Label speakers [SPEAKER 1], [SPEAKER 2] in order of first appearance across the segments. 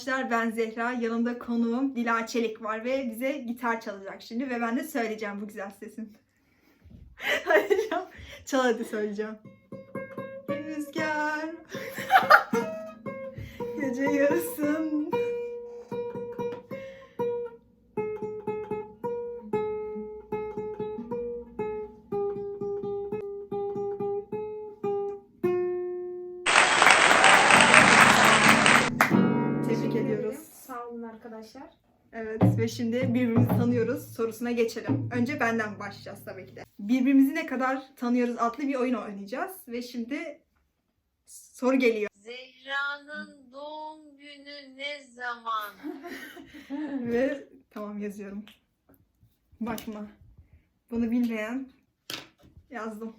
[SPEAKER 1] Arkadaşlar ben Zehra, yanımda konuğum Dila Çelik var ve bize gitar çalacak şimdi ve ben de söyleyeceğim bu güzel sesin. Hadi çal hadi söyleyeceğim. Rüzgar gece yarısın. Tebrik ediyoruz.
[SPEAKER 2] Sağ olun arkadaşlar.
[SPEAKER 1] Evet ve şimdi birbirimizi tanıyoruz sorusuna geçelim. Önce benden başlayacağız tabii ki de. Birbirimizi ne kadar tanıyoruz adlı bir oyun oynayacağız ve şimdi soru geliyor.
[SPEAKER 3] Zehra'nın doğum günü ne zaman?
[SPEAKER 1] Ve tamam yazıyorum. Bakma. Bunu bilmeyen yazdım.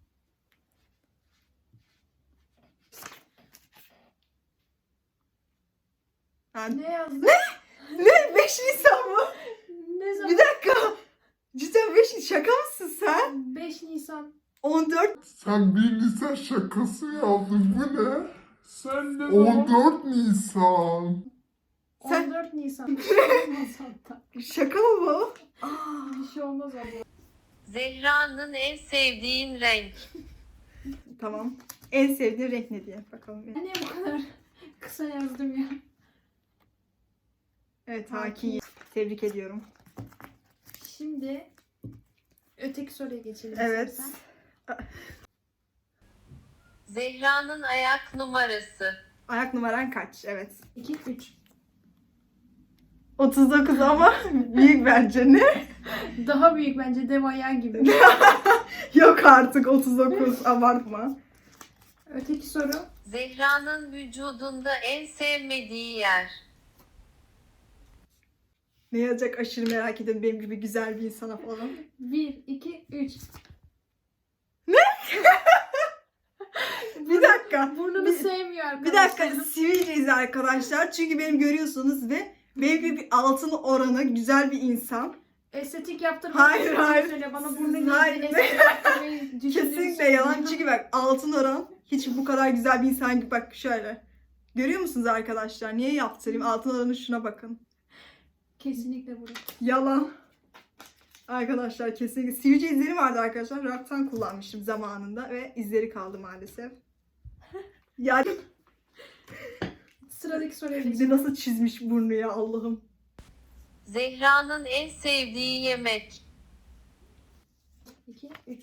[SPEAKER 1] Ha,
[SPEAKER 2] Ne yazdın?
[SPEAKER 1] ne? 5 Nisan mı?
[SPEAKER 2] Ne zaman?
[SPEAKER 1] Bir dakika. Cidden 5 şaka mısın sen?
[SPEAKER 2] 5 Nisan.
[SPEAKER 1] 14.
[SPEAKER 4] Sen bir Nisan şakası yazdın. Bu ne?
[SPEAKER 2] Sen de
[SPEAKER 4] 14 Nisan.
[SPEAKER 1] Sen-
[SPEAKER 2] 14 Nisan. Bir şey olmaz hatta.
[SPEAKER 1] Şaka mı bu?
[SPEAKER 2] Bir şey olmaz abla.
[SPEAKER 3] Zehra'nın en sevdiğin renk.
[SPEAKER 1] Tamam. En sevdiğin renk ne diye bakalım.
[SPEAKER 2] Ben niye bu kadar kısa yazdım ya?
[SPEAKER 1] Evet Haki. Tebrik ediyorum.
[SPEAKER 2] Şimdi öteki soruya geçelim.
[SPEAKER 1] Evet.
[SPEAKER 2] istersen.
[SPEAKER 3] Zehra'nın ayak numarası.
[SPEAKER 1] Ayak numaran kaç? Evet.
[SPEAKER 2] 2, 3.
[SPEAKER 1] 39 ama büyük bence ne?
[SPEAKER 2] Daha büyük bence dev ayağı gibi.
[SPEAKER 1] Yok artık 39 abartma.
[SPEAKER 2] Öteki soru.
[SPEAKER 3] Zehra'nın vücudunda en sevmediği yer.
[SPEAKER 1] Ne yazacak aşırı merak ediyorum benim gibi güzel bir insana falan.
[SPEAKER 2] 1, 2, 3.
[SPEAKER 1] Bir dakika.
[SPEAKER 2] Burnunu
[SPEAKER 1] Bir,
[SPEAKER 2] sevmiyor
[SPEAKER 1] bir
[SPEAKER 2] arkadaşlar.
[SPEAKER 1] dakika sivilceyiz arkadaşlar. Çünkü benim görüyorsunuz ve benim gibi bir altın oranı güzel bir insan.
[SPEAKER 2] Estetik yaptırmayı
[SPEAKER 1] Hayır, hayır.
[SPEAKER 2] söyle bana
[SPEAKER 1] Siz-
[SPEAKER 2] burnunu
[SPEAKER 1] hayır.
[SPEAKER 2] estetik yaptırmayı düşündüğünü
[SPEAKER 1] Kesinlikle
[SPEAKER 2] söyle.
[SPEAKER 1] yalan. Çünkü bak altın oran hiç bu kadar güzel bir insan gibi bak şöyle. Görüyor musunuz arkadaşlar? Niye yaptırayım? Altın oranı şuna bakın.
[SPEAKER 2] Kesinlikle burası.
[SPEAKER 1] Yalan. Arkadaşlar kesinlikle. Sivilce izleri vardı arkadaşlar. Rock'tan kullanmıştım zamanında ve izleri kaldı maalesef. Yani
[SPEAKER 2] Sıradaki soruya
[SPEAKER 1] bir de
[SPEAKER 2] geçelim.
[SPEAKER 1] nasıl çizmiş burnu ya Allah'ım.
[SPEAKER 3] Zehra'nın en sevdiği yemek.
[SPEAKER 2] 2, 3.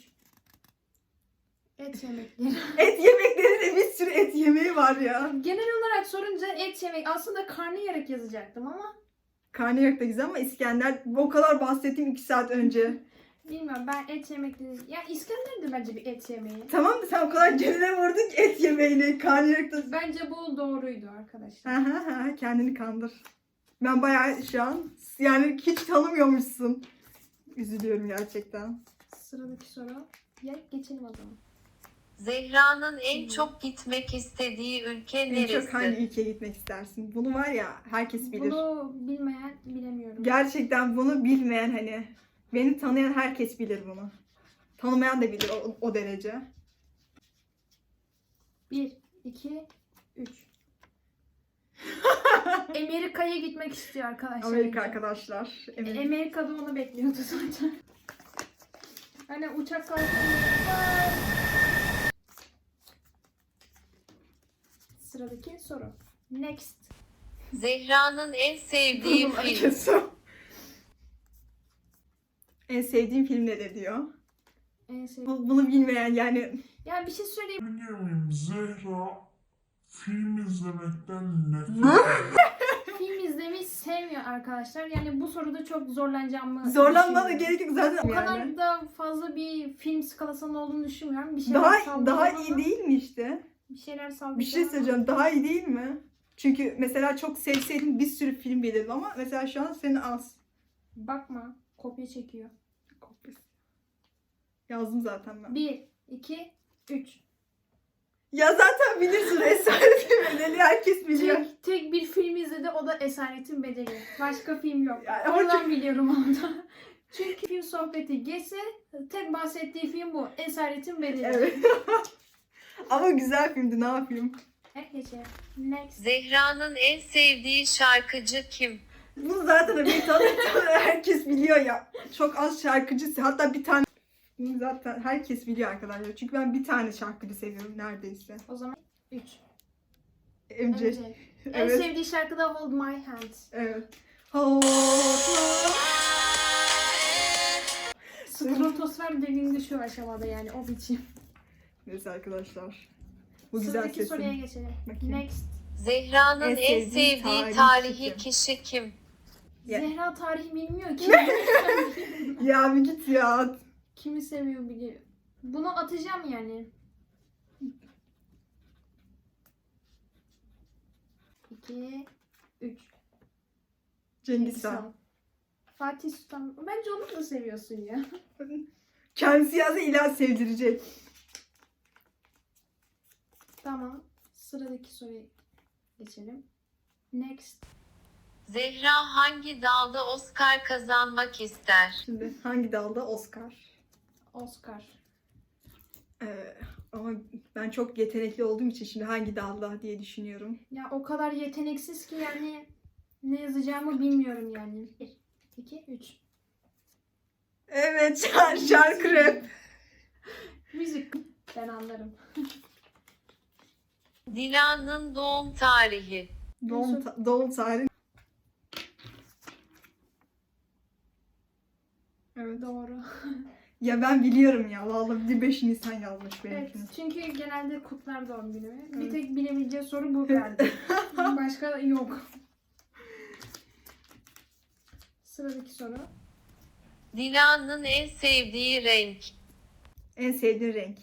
[SPEAKER 2] Et yemekleri.
[SPEAKER 1] Et yemekleri de bir sürü et yemeği var ya.
[SPEAKER 2] Genel olarak sorunca et yemek. Aslında karnıyarık yazacaktım ama
[SPEAKER 1] Karnıyarık da güzel ama İskender o kadar bahsettiğim 2 saat önce.
[SPEAKER 2] bilmiyorum ben et yemekleri... Ya İskender de bence bir et yemeği.
[SPEAKER 1] Tamam mı sen o kadar genele vurdun ki et yemeğini. Karnıyarık da...
[SPEAKER 2] Bence bu doğruydu arkadaşlar.
[SPEAKER 1] Ha, kendini kandır. Ben bayağı şu an yani hiç tanımıyormuşsun. Üzülüyorum gerçekten.
[SPEAKER 2] Sıradaki soru. Ya geçelim o zaman.
[SPEAKER 3] Zehra'nın en çok gitmek istediği ülke
[SPEAKER 1] En çok hangi
[SPEAKER 3] neresi?
[SPEAKER 1] ülkeye gitmek istersin? Bunu var ya herkes bilir.
[SPEAKER 2] Bunu bilmeyen bilemiyorum.
[SPEAKER 1] Gerçekten bunu bilmeyen hani beni tanıyan herkes bilir bunu. Tanımayan da bilir o derece.
[SPEAKER 2] 1, 2, 3. Amerika'ya gitmek istiyor arkadaşlar.
[SPEAKER 1] Amerika
[SPEAKER 2] önce.
[SPEAKER 1] arkadaşlar. Evet.
[SPEAKER 2] Amerika'da onu bekliyordu zaten. Hani uçak kalkıyor. Sıradaki soru. Next.
[SPEAKER 3] Zehra'nın en sevdiği film.
[SPEAKER 1] Kesin. En sevdiğim film nedir diyor.
[SPEAKER 2] En sevdiğim.
[SPEAKER 1] Bunu bilmeyen yani
[SPEAKER 2] Ya bir şey söyleyeyim.
[SPEAKER 4] Biliyor muyum Zehra film izlemekten nefret eder.
[SPEAKER 2] Film izlemeyi sevmiyor arkadaşlar. Yani bu soruda çok zorlanacağımı
[SPEAKER 1] zorlanmana
[SPEAKER 2] düşünüyorum.
[SPEAKER 1] gerek yok zaten
[SPEAKER 2] O kadar
[SPEAKER 1] yani.
[SPEAKER 2] da fazla bir film skalasının olduğunu düşünmüyorum. Bir şeyler
[SPEAKER 1] Daha
[SPEAKER 2] sallayacağım
[SPEAKER 1] iyi
[SPEAKER 2] ama-
[SPEAKER 1] değil mi işte?
[SPEAKER 2] Bir şeyler sallayacağım.
[SPEAKER 1] Bir şey
[SPEAKER 2] ama-
[SPEAKER 1] söyleyeceğim. Daha iyi değil mi? Çünkü mesela çok sevseydim bir sürü film bilirdim ama mesela şu an senin az.
[SPEAKER 2] Bakma. Kopya çekiyor.
[SPEAKER 1] Kopyası. Yazdım zaten ben.
[SPEAKER 2] 1, 2, 3.
[SPEAKER 1] Ya zaten bilirsin Esaretin Bedeli herkes biliyor.
[SPEAKER 2] Tek bir film izledi, o da Esaretin Bedeli. Başka film yok.
[SPEAKER 1] Yani ama
[SPEAKER 2] Oradan biliyorum onu da. Çünkü film sohbeti geçse tek bahsettiği film bu. Esaretin Bedeli.
[SPEAKER 1] Evet. Ama güzel filmdi ne yapayım.
[SPEAKER 2] Geçelim. Next.
[SPEAKER 3] Zehra'nın en sevdiği şarkıcı kim?
[SPEAKER 1] Bunu zaten bir herkes biliyor ya. Çok az şarkıcı, hatta bir tane bunu zaten herkes biliyor arkadaşlar. Çünkü ben bir tane şarkıcı seviyorum neredeyse.
[SPEAKER 2] O zaman 3.
[SPEAKER 1] MC.
[SPEAKER 2] En
[SPEAKER 1] Evet.
[SPEAKER 2] sevdiği şarkı da Hold My Hand.
[SPEAKER 1] Evet.
[SPEAKER 2] Stratosfer dediğinde şu aşamada yani o biçim.
[SPEAKER 1] Neyse arkadaşlar. Bu güzel
[SPEAKER 2] Sıradaki soruya
[SPEAKER 1] sesim.
[SPEAKER 2] geçelim.
[SPEAKER 1] Bakayım.
[SPEAKER 2] Next.
[SPEAKER 3] Zehra'nın
[SPEAKER 1] En
[SPEAKER 3] en
[SPEAKER 1] sevdiği
[SPEAKER 3] sevdiği
[SPEAKER 1] tarihi
[SPEAKER 3] tarihi
[SPEAKER 1] kim?
[SPEAKER 3] kişi kim?
[SPEAKER 1] Ya.
[SPEAKER 2] Zehra tarih bilmiyor ki.
[SPEAKER 1] Ya bir git ya.
[SPEAKER 2] Kimi seviyor biliyor. Bunu atacağım yani. 2 3
[SPEAKER 1] Cengiz Han.
[SPEAKER 2] Fatih Sultan. Bence onu da seviyorsun ya.
[SPEAKER 1] Kendisi yazı ilah sevdirecek.
[SPEAKER 2] Tamam. Sıradaki soruya geçelim. Next.
[SPEAKER 3] Zehra hangi dalda Oscar kazanmak ister?
[SPEAKER 1] Şimdi hangi dalda Oscar?
[SPEAKER 2] Oscar.
[SPEAKER 1] Ama ben çok yetenekli olduğum için şimdi hangi dalda diye düşünüyorum.
[SPEAKER 2] Ya o kadar yeteneksiz ki yani ne yazacağımı bilmiyorum yani. 1 2 3
[SPEAKER 1] Evet, şarkı rap.
[SPEAKER 2] Müzik. Ben anlarım.
[SPEAKER 3] Dilan'ın doğum tarihi.
[SPEAKER 1] Doğum tarihi. Evet.
[SPEAKER 2] Doğru.
[SPEAKER 1] Ya ben biliyorum ya. Vallahi 5 Nisan yazmış
[SPEAKER 2] Evet,
[SPEAKER 1] benimkini.
[SPEAKER 2] çünkü genelde kutlar doğum günümü. Bir
[SPEAKER 1] Evet.
[SPEAKER 2] tek bilebileceği soru bu geldi. Başka yok. Sıradaki soru.
[SPEAKER 3] Dilan'ın en sevdiği renk.
[SPEAKER 1] En sevdiğin renk.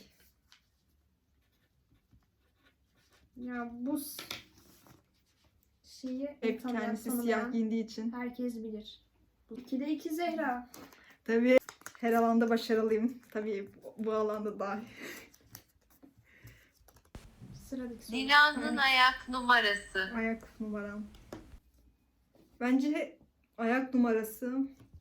[SPEAKER 2] Ya bu şeyi
[SPEAKER 1] Hep
[SPEAKER 2] tanıyan,
[SPEAKER 1] kendisi
[SPEAKER 2] tanımayan
[SPEAKER 1] siyah giyindiği için.
[SPEAKER 2] herkes bilir. 2'de 2 Zehra.
[SPEAKER 1] Tabii her alanda başarılıyım. Tabii bu alanda dahil.
[SPEAKER 2] Sıradaki soru.
[SPEAKER 3] Dilan'ın
[SPEAKER 2] Evet.
[SPEAKER 3] ayak numarası.
[SPEAKER 1] Ayak numaram. Bence ayak numarası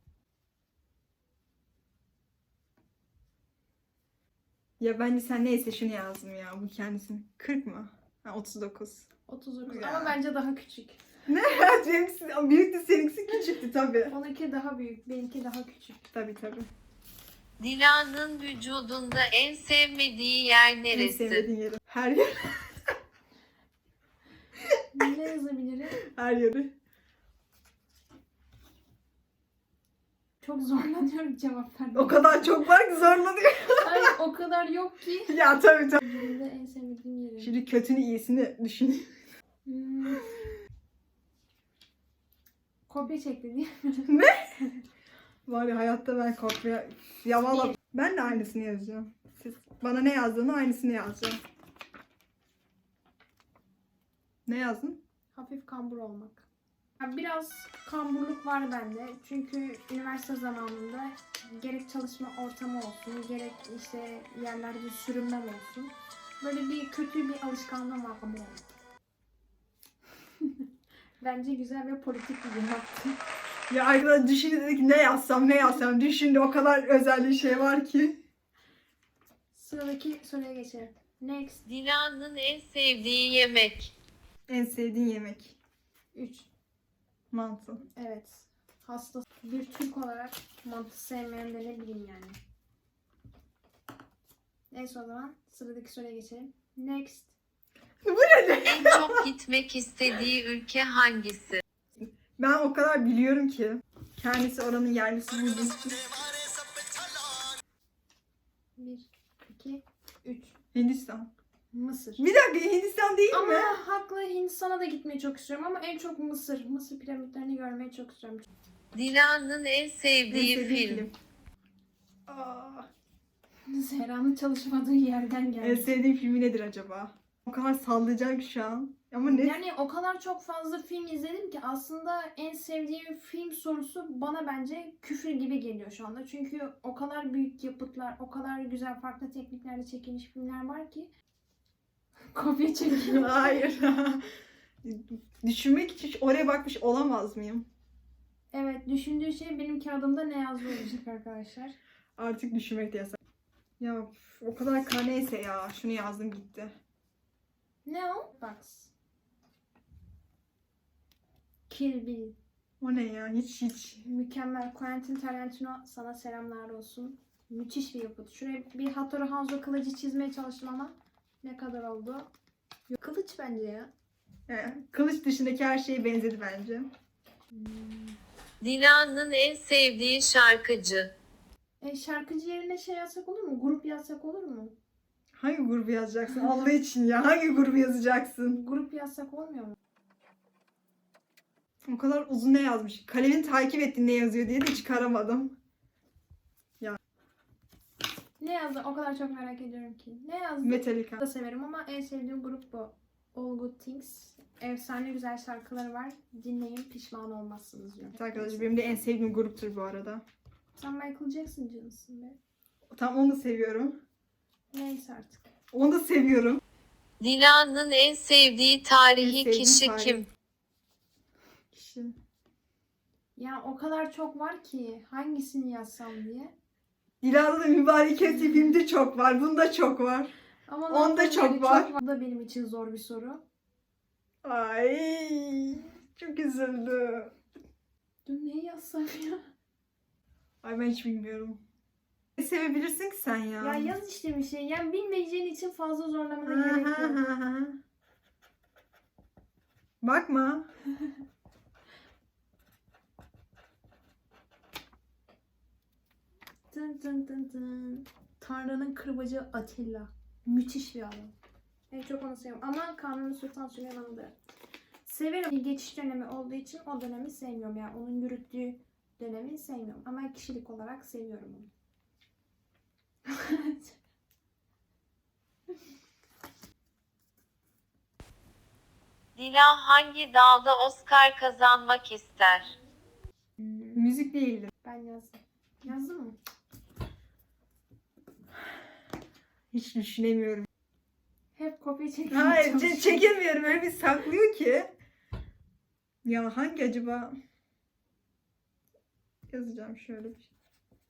[SPEAKER 1] ya bence sen neyse şunu yazdım ya. Bu kendisini. 40 mı? Ha, 39.
[SPEAKER 2] 39
[SPEAKER 1] Ya.
[SPEAKER 2] ama bence daha küçük.
[SPEAKER 1] Benimkisi büyüktü, seninkisi küçüktü tabii.
[SPEAKER 2] Onunki daha büyük, benimki daha küçük.
[SPEAKER 1] Tabii.
[SPEAKER 3] Dilan'ın vücudunda en sevmediği yer
[SPEAKER 1] En
[SPEAKER 3] neresi?
[SPEAKER 1] sevmediğin yeri. Her yer.
[SPEAKER 2] Ne yazabilirim?
[SPEAKER 1] Her yeri.
[SPEAKER 2] Çok zorlanıyorum cevap vermeye.
[SPEAKER 1] O kadar çok var ki zorlanıyor.
[SPEAKER 2] Ay, o kadar yok ki.
[SPEAKER 1] Ya tabii.
[SPEAKER 2] Vücudumda en sevmediğim yeri.
[SPEAKER 1] Şimdi kötünü iyisini düşün.
[SPEAKER 2] Hmm. Kopya çekti değil mi?
[SPEAKER 1] Var ya hayatta ben kopya... Ya valla ben de aynısını yazacağım. Siz bana ne yazdığını aynısını yazacağım. Ne yazdın?
[SPEAKER 2] Hafif kambur olmak. Ya biraz kamburluk var bende. Çünkü üniversite zamanında gerek çalışma ortamı olsun, gerek işte yerlerde sürünmem olsun. Böyle kötü bir alışkanlığım var kambur olmak. Bence güzel ve politik bir cevaptı.
[SPEAKER 1] Ya arkadaş düşündü dedi ki ne yazsam düşündü o kadar özel şey var ki.
[SPEAKER 2] Sıradaki soruya geçelim. Next.
[SPEAKER 3] Dilan'ın en sevdiği yemek.
[SPEAKER 1] En sevdiğin yemek.
[SPEAKER 2] 3.
[SPEAKER 1] Mantı.
[SPEAKER 2] Evet. Hasta bir Türk olarak mantı sevmeyen de ne bileyim yani. Neyse o zaman sıradaki soruya geçelim. Next.
[SPEAKER 3] En çok gitmek istediği ülke hangisi?
[SPEAKER 1] Ben o kadar biliyorum ki. Kendisi oranın yerlisi olduğu için.
[SPEAKER 2] 1, 2, 3.
[SPEAKER 1] Hindistan.
[SPEAKER 2] Mısır.
[SPEAKER 1] Bir dakika Hindistan değil
[SPEAKER 2] Ama
[SPEAKER 1] mi?
[SPEAKER 2] haklı, Hindistan'a da gitmeyi çok istiyorum ama en çok Mısır. Mısır piramitlerini görmeyi çok istiyorum.
[SPEAKER 3] Dilan'ın en
[SPEAKER 1] En
[SPEAKER 3] sevdiği
[SPEAKER 1] sevdiğin
[SPEAKER 3] film.
[SPEAKER 1] film. Aa,
[SPEAKER 2] Zehra'nın çalışmadığı yerden
[SPEAKER 1] en
[SPEAKER 2] geldi.
[SPEAKER 1] sevdiğin filmi nedir acaba? O kadar sallayacağım ki şu an. Ama ne?
[SPEAKER 2] Yani o kadar çok fazla film izledim ki aslında en sevdiğim film sorusu bana bence küfür gibi geliyor şu anda. Çünkü o kadar büyük yapıtlar, o kadar güzel farklı tekniklerle çekilmiş filmler var ki kopya çekiyor.
[SPEAKER 1] Hayır. Düşünmek için oraya bakmış olamaz mıyım?
[SPEAKER 2] Evet, düşündüğü şey benim kağıdımda ne yazdığı olacak arkadaşlar.
[SPEAKER 1] Artık düşünmek de yasak. Ya o kadar neyse ya. Şunu yazdım gitti.
[SPEAKER 2] Ne o? Box. Kill Bill.
[SPEAKER 1] O ne ya? Hiç.
[SPEAKER 2] Mükemmel. Quentin Tarantino, sana selamlar olsun. Müthiş bir yapıt. Şuraya bir Hattori Hanzo kılıcı çizmeye çalıştım ama ne kadar oldu? Yok, kılıç bence ya.
[SPEAKER 1] Kılıç dışındaki her şeye benzedi bence.
[SPEAKER 3] Dilan'ın en sevdiği şarkıcı.
[SPEAKER 2] Şarkıcı yerine şey yazsak olur mu? Grup yazsak olur mu?
[SPEAKER 1] Hangi grubu yazacaksın? Allah için ya. Hangi grubu yazacaksın?
[SPEAKER 2] Grup yazsak olmuyor mu?
[SPEAKER 1] O kadar uzun ne yazmış? Kalemin takip ettiğin ne yazıyor diye de çıkaramadım.
[SPEAKER 2] Ne yazdı? O kadar çok merak ediyorum ki. Ne yazdı?
[SPEAKER 1] Metallica.
[SPEAKER 2] Da severim ama en sevdiğim grup bu. All Good Things. Efsane güzel şarkıları var. Dinleyin, pişman olmazsınız diyor.
[SPEAKER 1] Evet arkadaşlar, benim de en sevdiğim gruptur bu arada.
[SPEAKER 2] Sen Michael Jackson canısın be.
[SPEAKER 1] Tam onu da seviyorum.
[SPEAKER 2] Neyse artık.
[SPEAKER 1] Onu da seviyorum.
[SPEAKER 3] Dilan'ın en sevdiği tarihi
[SPEAKER 1] En sevdiğim
[SPEAKER 3] kişi
[SPEAKER 1] tarih.
[SPEAKER 3] kim?
[SPEAKER 1] Kişi.
[SPEAKER 2] Ya o kadar çok var ki hangisini yazsam diye.
[SPEAKER 1] Dilan'da da mübarek filmde çok var. Bunda çok var.
[SPEAKER 2] Ama
[SPEAKER 1] Onda
[SPEAKER 2] yani
[SPEAKER 1] çok var.
[SPEAKER 2] Bu da benim için zor bir soru.
[SPEAKER 1] Ay, çok üzüldüm.
[SPEAKER 2] Dur ne yazsam ya?
[SPEAKER 1] Ay, ben hiç bilmiyorum. Ne sevebilirsin ki sen ya?
[SPEAKER 2] Ya yaz işte bir şey. Yani bilmeyeceğin için fazla zorlamana gerek yok.
[SPEAKER 1] Bakma.
[SPEAKER 2] Tın tın tın tın. Tanrı'nın kırbacı Atilla. Müthiş bir adam. En çok onu seviyorum. Ama Kanuni Sultan Süleyman'ı da severim. Bir geçiş dönemi olduğu için o dönemi sevmiyorum. Yani onun yürüttüğü dönemi sevmiyorum. Ama kişilik olarak seviyorum onu.
[SPEAKER 3] Dilan hangi dalda Oscar kazanmak ister?
[SPEAKER 1] Müzik değildi.
[SPEAKER 2] Ben yazdım. Yazdın mı?
[SPEAKER 1] Hiç düşünemiyorum.
[SPEAKER 2] Hep kopya çekmeye
[SPEAKER 1] Hayır,
[SPEAKER 2] çalışıyorum.
[SPEAKER 1] çekemiyorum. Öyle bir saklıyor ki. Ya hangi acaba? Yazacağım şöyle bir şey.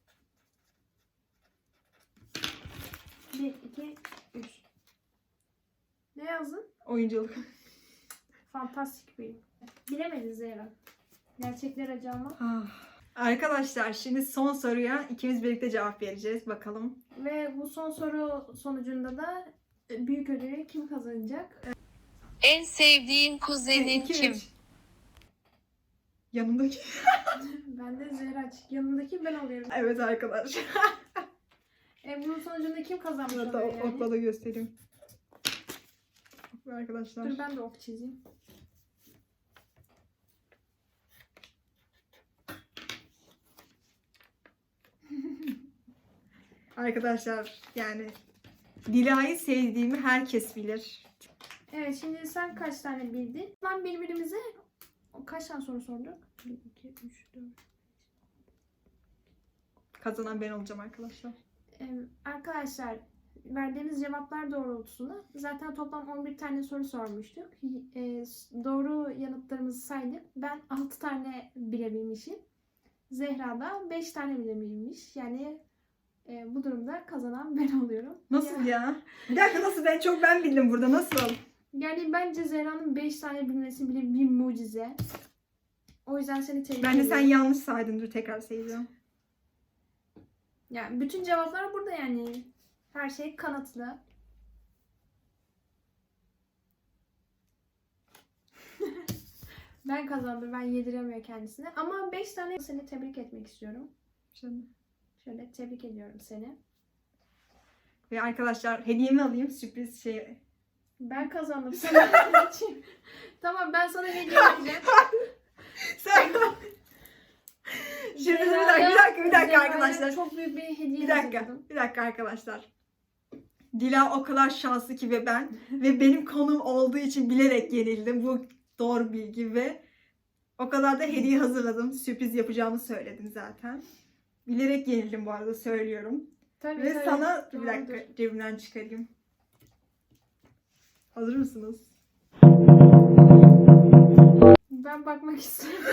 [SPEAKER 2] 1, 2, 3. Ne yazdın?
[SPEAKER 1] Oyunculuk.
[SPEAKER 2] Fantastik bir. Bilemedin Zehra. Gerçekler acı ama.
[SPEAKER 1] Ah. Arkadaşlar, şimdi son soruya ikimiz birlikte cevap vereceğiz. Bakalım.
[SPEAKER 2] Ve bu son soru sonucunda da büyük ödülü kim kazanacak?
[SPEAKER 3] En sevdiğin kuzenin
[SPEAKER 1] İki,
[SPEAKER 3] kim?
[SPEAKER 1] üç. Yanındaki.
[SPEAKER 2] Ben de Zehra açık. Yanındaki ben oluyorum.
[SPEAKER 1] Evet arkadaşlar.
[SPEAKER 2] Bunun sonucunda kim kazanmış
[SPEAKER 1] Hatta
[SPEAKER 2] oluyor yani?
[SPEAKER 1] okla da göstereyim. Arkadaşlar.
[SPEAKER 2] Dur ben de ok çizeyim.
[SPEAKER 1] Arkadaşlar yani Dila'yı sevdiğimi herkes bilir.
[SPEAKER 2] Evet, şimdi sen kaç tane bildin? Ben birbirimize kaç tane soru sorduk? 1, 2, 3, 4.
[SPEAKER 1] Kazanan ben olacağım arkadaşlar.
[SPEAKER 2] Arkadaşlar, verdiğimiz cevaplar doğrultusunda zaten toplam 11 tane soru sormuştuk. Doğru yanıtlarımızı saydık. Ben 6 tane bilebilmişim. Zehra da 5 tane bilebilmiş. Yani bu durumda kazanan ben oluyorum.
[SPEAKER 1] Nasıl ya? Bir dakika, nasıl? Ben bildim burada, nasıl?
[SPEAKER 2] Yani bence Zehra'nın 5 tane bilmesi bile bir mucize. O yüzden seni tebrik
[SPEAKER 1] Bence
[SPEAKER 2] ediyorum.
[SPEAKER 1] sen yanlış saydın. Dur tekrar sayacağım.
[SPEAKER 2] Yani bütün cevaplar burada yani. Her şey kanıtlı. Ben kazandım. Ben yediremiyor kendisine. Ama 5 tane seni tebrik etmek istiyorum.
[SPEAKER 1] Şimdi.
[SPEAKER 2] Şöyle tebrik ediyorum seni.
[SPEAKER 1] Ve arkadaşlar, hediyemi alayım, sürpriz şey.
[SPEAKER 2] Ben kazandım. Sana geçeyim. Tamam, ben sana hediye vereceğim.
[SPEAKER 1] Sen... Şimdi bir dakika arkadaşlar.
[SPEAKER 2] Çok büyük bir hediye
[SPEAKER 1] Bir dakika arkadaşlar. Dila o kadar şanslı ki ve ben ve benim konum olduğu için bilerek yenildim. Bu doğru bilgi ve o kadar da hediye hazırladım. Sürpriz yapacağımı söyledim zaten. Bilerek yenildim bu arada, söylüyorum.
[SPEAKER 2] Tabii,
[SPEAKER 1] Ve
[SPEAKER 2] tabii.
[SPEAKER 1] sana bir
[SPEAKER 2] Doğrudur.
[SPEAKER 1] dakika cebimden çıkarayım. Hazır mısınız?
[SPEAKER 2] Ben bakmak istiyorum.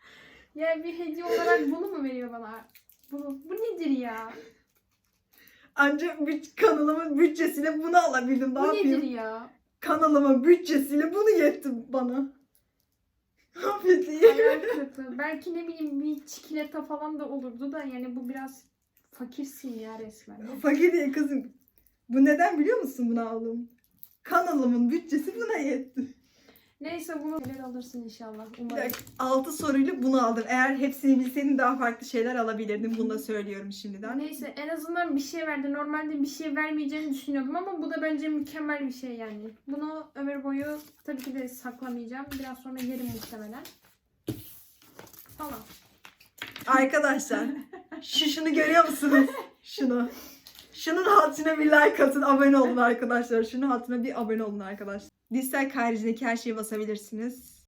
[SPEAKER 2] Ya bir hediye olarak bunu mu veriyor bana? Bu nedir ya?
[SPEAKER 1] Ancak kanalımın bütçesiyle bunu alabildim. Ne
[SPEAKER 2] Bu
[SPEAKER 1] yapayım?
[SPEAKER 2] nedir ya?
[SPEAKER 1] Kanalımın bütçesiyle bunu yetti bana. Ne yapayım?
[SPEAKER 2] Hayal kırıklığı. Belki ne bileyim bir çikolata falan da olurdu da yani bu biraz fakirsin ya resmen.
[SPEAKER 1] Fakir değil kızım. Bu neden biliyor musun bunu aldım? Kanalımın bütçesi buna yetti.
[SPEAKER 2] Neyse bunu neler alırsın inşallah. Umarım.
[SPEAKER 1] 6 soruyla bunu aldım. Eğer hepsini bilseydim daha farklı şeyler alabilirdim. Bunu da söylüyorum şimdiden.
[SPEAKER 2] Neyse en azından bir şey verdi. Normalde bir şey vermeyeceğini düşünüyordum ama bu da bence mükemmel bir şey yani. Bunu ömür boyu tabii ki de saklamayacağım. Biraz sonra yerim muhtemelen. Falan.
[SPEAKER 1] Arkadaşlar şunu görüyor musunuz? Şunu. Şunun hatırına bir like atın, abone olun arkadaşlar. Şunun hatırına bir abone olun arkadaşlar. Dislike haricindeki her şeye basabilirsiniz.